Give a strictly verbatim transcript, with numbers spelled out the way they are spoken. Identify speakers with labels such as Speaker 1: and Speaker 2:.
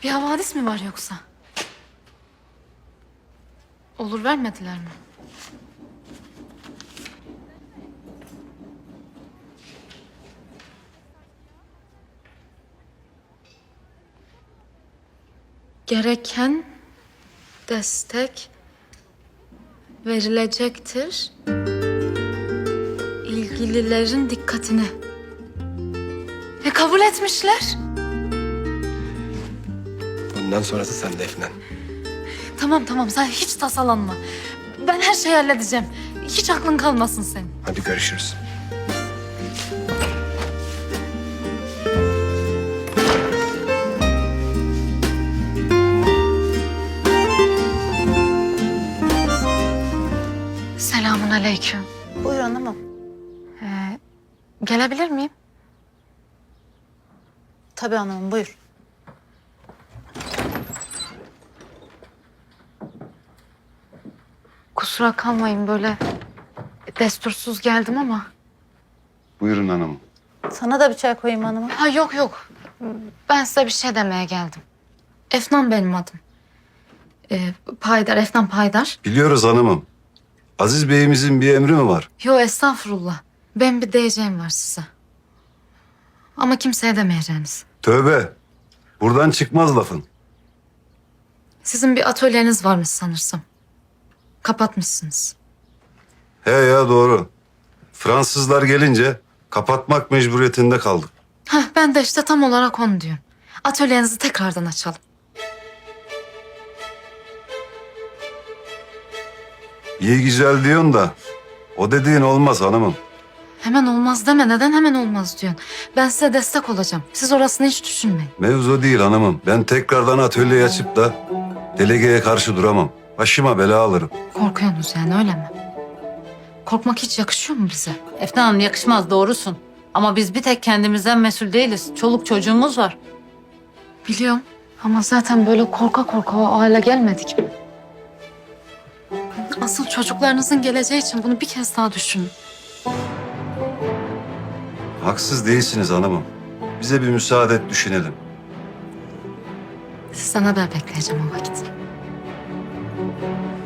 Speaker 1: Bir havadis mi var yoksa? Olur vermediler mi? Gereken destek verilecektir. İlgililerin dikkatine. E kabul etmişler.
Speaker 2: Bundan sonrası sende Efnan.
Speaker 1: Tamam tamam sen hiç tasalanma. Ben her şeyi halledeceğim. Hiç aklın kalmasın senin.
Speaker 2: Hadi görüşürüz.
Speaker 1: Selamun aleyküm.
Speaker 3: Buyur hanımım.
Speaker 1: Ee, gelebilir miyim?
Speaker 3: Tabii hanımım, buyur.
Speaker 1: Kusura kalmayın böyle destursuz geldim ama.
Speaker 4: Buyurun hanım.
Speaker 3: Sana da bir çay koyayım hanımım.
Speaker 1: Ha yok yok. Ben size bir şey demeye geldim. Efnan benim adım. Ee, Paydar, Efnan Paydar.
Speaker 4: Biliyoruz hanımım. Aziz Bey'imizin bir emri mi var?
Speaker 1: Yo estağfurullah. Ben bir diyeceğim var size. Ama kimseye demeyeceğiniz.
Speaker 4: Tövbe. Buradan çıkmaz lafın.
Speaker 1: Sizin bir atölyeniz varmış sanırsam. Kapatmışsınız.
Speaker 4: He ya doğru. Fransızlar gelince kapatmak mecburiyetinde kaldık.
Speaker 1: Hah ben de işte tam olarak onu diyorum. Atölyenizi tekrardan açalım.
Speaker 4: İyi güzel diyorsun da o dediğin olmaz hanımım.
Speaker 1: Hemen olmaz deme. Neden hemen olmaz diyorsun? Ben size destek olacağım. Siz orasını hiç düşünmeyin.
Speaker 4: Mevzu değil hanımım. Ben tekrardan atölyeyi açıp da delegeye karşı duramam. Başıma bela alırım.
Speaker 1: Korkuyorsunuz yani öyle mi? Korkmak hiç yakışıyor mu bize?
Speaker 3: Efnan Hanım yakışmaz, doğrusun. Ama biz bir tek kendimizden mesul değiliz. Çoluk çocuğumuz var.
Speaker 1: Biliyorum ama zaten böyle korka korka o hale gelmedik mi? Asıl çocuklarınızın geleceği için bunu bir kez daha düşünün.
Speaker 4: Haksız değilsiniz hanımım. Bize bir müsaade et düşünelim.
Speaker 1: Sizden haber bekleyeceğim o vakit.